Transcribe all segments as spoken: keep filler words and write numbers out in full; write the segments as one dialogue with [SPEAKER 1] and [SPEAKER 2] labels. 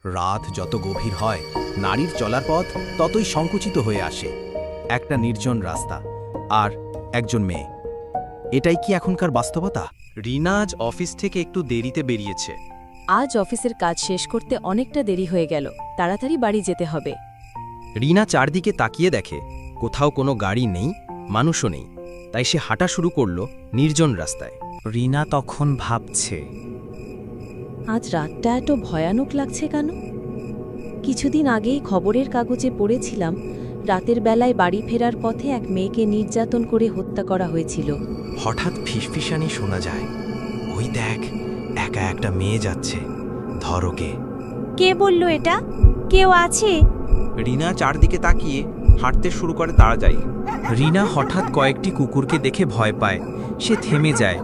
[SPEAKER 1] রাত যত গভীর হয় নারীর চলার পথ ততই সংকুচিত হয়ে আসে। একটা নির্জন রাস্তা আর একজন মেয়ে, এটাই কি এখনকার বাস্তবতা?
[SPEAKER 2] রিনা আজ অফিস থেকে একটু দেরিতে বেরিয়েছে।
[SPEAKER 3] আজ অফিসের কাজ শেষ করতে অনেকটা দেরি হয়ে গেল, তাড়াতাড়ি বাড়ি যেতে হবে।
[SPEAKER 2] রিনা চারদিকে তাকিয়ে দেখে কোথাও কোনো গাড়ি নেই, মানুষও নেই, তাই সে হাঁটা শুরু করল নির্জন রাস্তায়।
[SPEAKER 1] রিনা তখন ভাবছে,
[SPEAKER 3] আজ রাতটা এত ভয়ানক লাগছে কেন? কিছুদিন আগেই খবরের কাগজে পড়েছিলাম রাতের বেলায় বাড়ি ফেরার পথে এক মেয়েকে নির্যাতন করে হত্যা করা হয়েছিল।
[SPEAKER 1] হঠাৎ ফিসফিসানি শোনা যায়, ওই দেখ, একা একটা মেয়ে যাচ্ছে, ধর ওকে।
[SPEAKER 4] কে বলল এটা? কেউ আছে?
[SPEAKER 2] রিনা চারদিকে তাকিয়ে হাঁটতে শুরু করে তাড়াতাড়ি।
[SPEAKER 1] রিনা হঠাৎ কয়েকটি কুকুরকে দেখে ভয় পায়, সে থেমে যায়।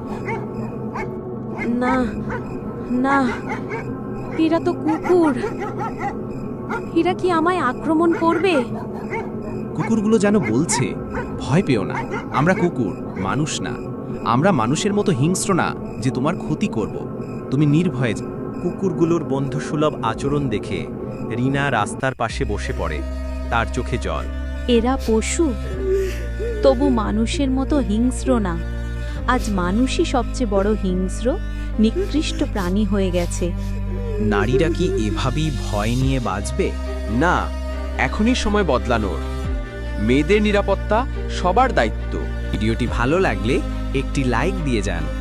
[SPEAKER 3] না না, এরা তো কুকুর। এরা কি আমায় আক্রমণ করবে?
[SPEAKER 1] কুকুরগুলো যেন বলছে, ভয় পেও না, আমরা কুকুর, মানুষ না। আমরা মানুষের মতো হিংস্র না যে তোমার ক্ষতি করব, তুমি নির্ভয়ে যাও।
[SPEAKER 2] কুকুরগুলোর বন্ধুসুলভ আচরণ দেখে রিনা রাস্তার পাশে বসে পড়ে, তার চোখে জল।
[SPEAKER 4] এরা পশু, তবু মানুষের মতো হিংস্র না। আজ মানুষই সবচেয়ে বড় হিংস্র, নিকৃষ্ট প্রাণী হয়ে গেছে।
[SPEAKER 1] নারীরা কি এভাবেই ভয় নিয়ে বাঁচবে?
[SPEAKER 5] না, এখনই সময় বদলানোর। মেয়েদের নিরাপত্তা সবার দায়িত্ব।
[SPEAKER 1] ভিডিওটি ভালো লাগলে একটি লাইক দিয়ে যান।